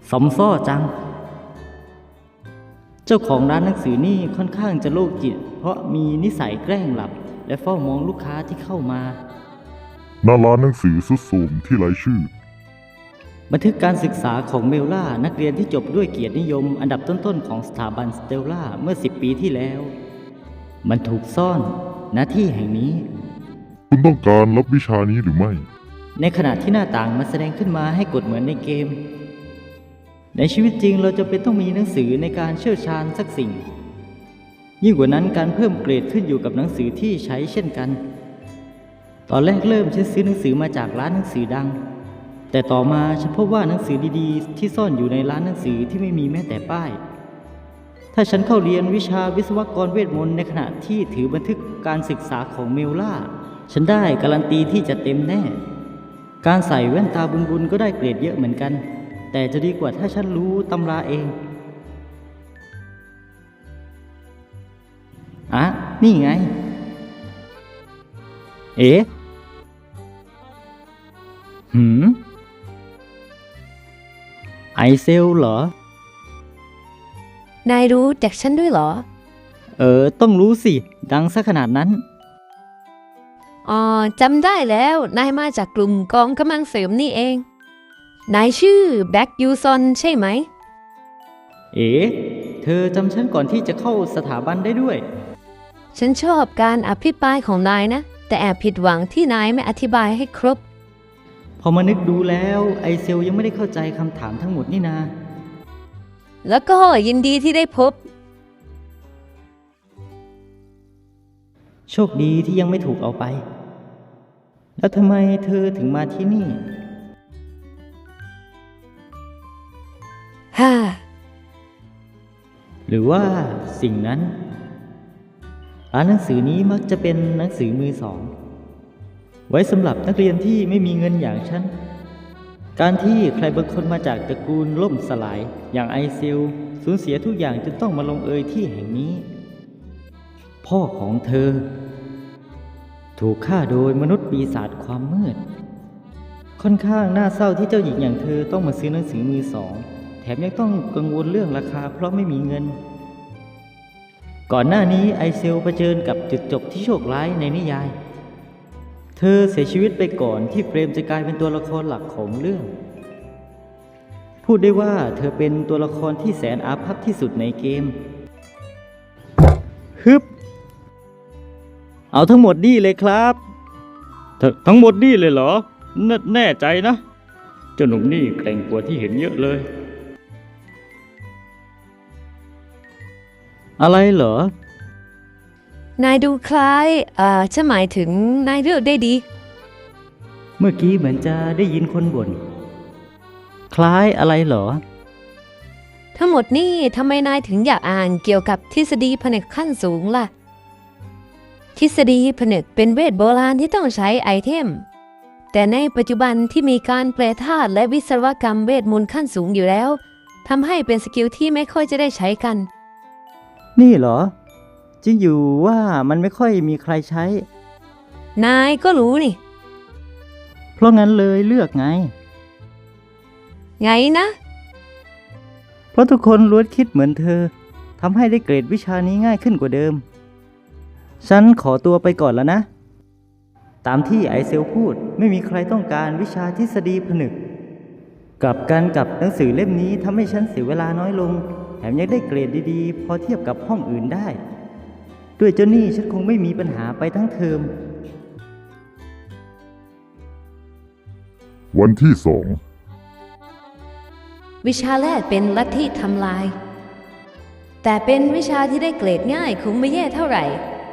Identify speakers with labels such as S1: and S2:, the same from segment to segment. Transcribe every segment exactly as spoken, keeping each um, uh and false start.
S1: สมซ้อจังเจ้าของร้านหนังสือนี่ค่อนข้างจะโรคจิตเพราะมีนิสัยแกล้งหลับและเฝ้ามองลูกค้าที่เข้ามา
S2: หน้าร้านหนังสือสุดโทรมที่ไร้ชื่อ
S1: บันทึกการศึกษาของเมลล่านักเรียนที่จบด้วยเกียรตินิยมอันดับต้นๆของสถาบันสเตลล่าเมื่อสิบปีที่แล้วมันถูกซ่อนณที่แห่งนี้
S2: คุณต้องการรับวิชานี้หรือไม่
S1: ในขณะที่หน้าต่างมันแสดงขึ้นมาให้กดเหมือนในเกมในชีวิตจริงเราจะเป็นต้องมีหนังสือในการเชี่ยวชาญสักสิ่งยิ่งกว่านั้นการเพิ่มเกรดขึ้นอยู่กับหนังสือที่ใช้เช่นกันตอนแรกเริ่มฉันซื้อหนังสือมาจากร้านหนังสือดังแต่ต่อมาฉันพบว่าหนังสือดีๆที่ซ่อนอยู่ในร้านหนังสือที่ไม่มีแม้แต่ป้ายถ้าฉันเข้าเรียนวิชาวิศวกรเวทมนต์ในขณะที่ถือบันทึกการศึกษาของเมลล่าฉันได้การันตีที่จะเต็มแน่การใส่แว่นตาบุญๆก็ได้เกรดเยอะเหมือนกันแต่จะดีกว่าถ้าฉันรู้ตำราเองอ่ะนี่ไงเอ๋หืมไอเซลเหรอน
S3: ายรู้จักฉันด้วยเหรอ
S1: เออต้องรู้สิดังซะขนาดนั้น
S3: อ๋อจำได้แล้วนายมาจากกลุ่มกองกำลังเสริมนี่เองนายชื่อแบ็กยูซอนใช่ไหม
S1: เอ๋เธอจำฉันก่อนที่จะเข้าสถาบันได้ด้วย
S3: ฉันชอบการอภิปรายของนายนะแต่แอบผิดหวังที่นายไม่อธิบายให้ครบ
S1: พอมานึกดูแล้วไอเซลยังไม่ได้เข้าใจคำถามทั้งหมดนี่นา
S3: แล้วก็ยินดีที่ได้พบ
S1: โชคดีที่ยังไม่ถูกเอาไปแล้วทำไมเธอถึงมาที่นี่
S3: ฮ่า
S1: หรือว่าสิ่งนั้นร้านหนังสือนี้มักจะเป็นหนังสือมือสองไว้สำหรับนักเรียนที่ไม่มีเงินอย่างฉันการที่ใครบางคนมาจากตระกูลล่มสลายอย่างไอเซลสูญเสียทุกอย่างจนต้องมาลงเอยที่แห่งนี้พ่อของเธอถูกฆ่าโดยมนุษย์ปีศาจความมืดค่อนข้างน่าเศร้าที่เจ้าหญิงอย่างเธอต้องมาซื้อหนังสือมือสองแถมยังต้องกังวลเรื่องราคาเพราะไม่มีเงินก่อนหน้านี้ไอเซลเผชิญกับจุดจบที่โชคร้ายในนิยายเธอเสียชีวิตไปก่อนที่เฟรมจะกลายเป็นตัวละครหลักของเรื่องพูดได้ว่าเธอเป็นตัวละครที่แสนอาภัพที่สุดในเกมฮึบเอาทั้งหมดนี่เลยครับทั้งหมดนี่เลยเหรอแน่ใจนะเจ้าหนุ่มนี่แกร่งกว่าที่เห็นเยอะเลยอะไรเหรอน
S3: ายดูคล้ายเอ่อฉันหมายถึงนายเลือกได้ดี
S1: เมื่อกี้เหมือนจะได้ยินคนบ่นคล้ายอะไรเหรอ
S3: ทั้งหมดนี่ทำไมนายถึงอยากอ่านเกี่ยวกับทฤษฎีผนึกขั้นสูงล่ะทฤษฎีผนึกเป็นเวทโบราณที่ต้องใช้ไอเทมแต่ในปัจจุบันที่มีการแปลธาตุและวิศวกรรมเวทมนต์ขั้นสูงอยู่แล้วทำให้เป็นสกิลที่ไม่ค่อยจะได้ใช้กัน
S1: นี่เหรอจริงอยู่ว่ามันไม่ค่อยมีใครใช้
S3: นายก็รู้นี่
S1: เพราะงั้นเลยเลือกไง
S3: ไงนะ
S1: เพราะทุกคนล้วนคิดเหมือนเธอทำให้ได้เกรดวิชานี้ง่ายขึ้นกว่าเดิมฉันขอตัวไปก่อนแล้วนะตามที่ไอเซลพูดไม่มีใครต้องการวิชาทฤษฎีผนึกกลับกันกับหนังสือเล่มนี้ทำให้ฉันเสียเวลาน้อยลงแถมยังได้เกรดดีๆพอเทียบกับห้องอื่นได้ด้วยเจ้านี่ฉันคงไม่มีปัญหาไปทั้งเทอม
S2: วันที่สอง
S3: วิชาแรกเป็นลัทธิทำลายแต่เป็นวิชาที่ได้เกรดง่ายคงไม่แย่เท่าไหร่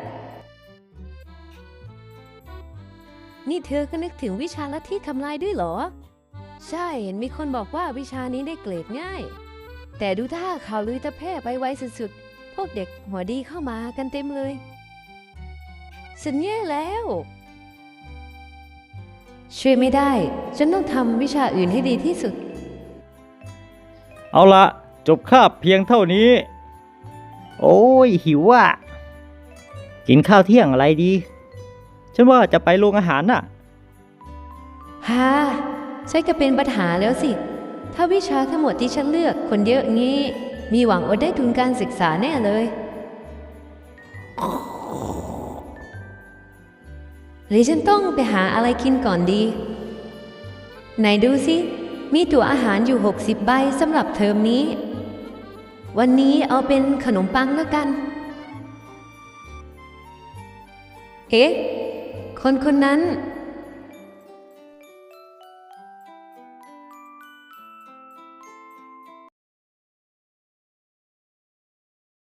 S3: นี่เธอก็นึกถึงวิชาลัทธิทำลายด้วยเหรอใช่เห็นมีคนบอกว่าวิชานี้ได้เกรดง่ายแต่ดูท่าข่าวลือจะแพร่ไปไวสุดๆพวกเด็กหัวดีเข้ามากันเต็มเลยฉันแย่แล้วช่วยไม่ได้ฉันต้องทำวิชาอื่นให้ดีที่สุด
S1: เอาละจบคาบเพียงเท่านี้โอ้ยหิวอ่ะกินข้าวเที่ยงอะไรดีฉันว่าจะไปโรงอาหารน่ะ
S3: ฮ่าใช่ก็เป็นปัญหาแล้วสิทถ้าวิชาทั้งหมดที่ฉันเลือกคนเยอะงี้ มีหวังอดได้ทุนการศึกษาแน่เลยหรือฉันต้องไปหาอะไรกินก่อนดี ไหนดูสิ มีตั๋วอาหารอยู่หกสิบใบสำหรับเทอมนี้ วันนี้เอาเป็นขนมปังแล้วกัน เอ๊ะ คนคนนั้น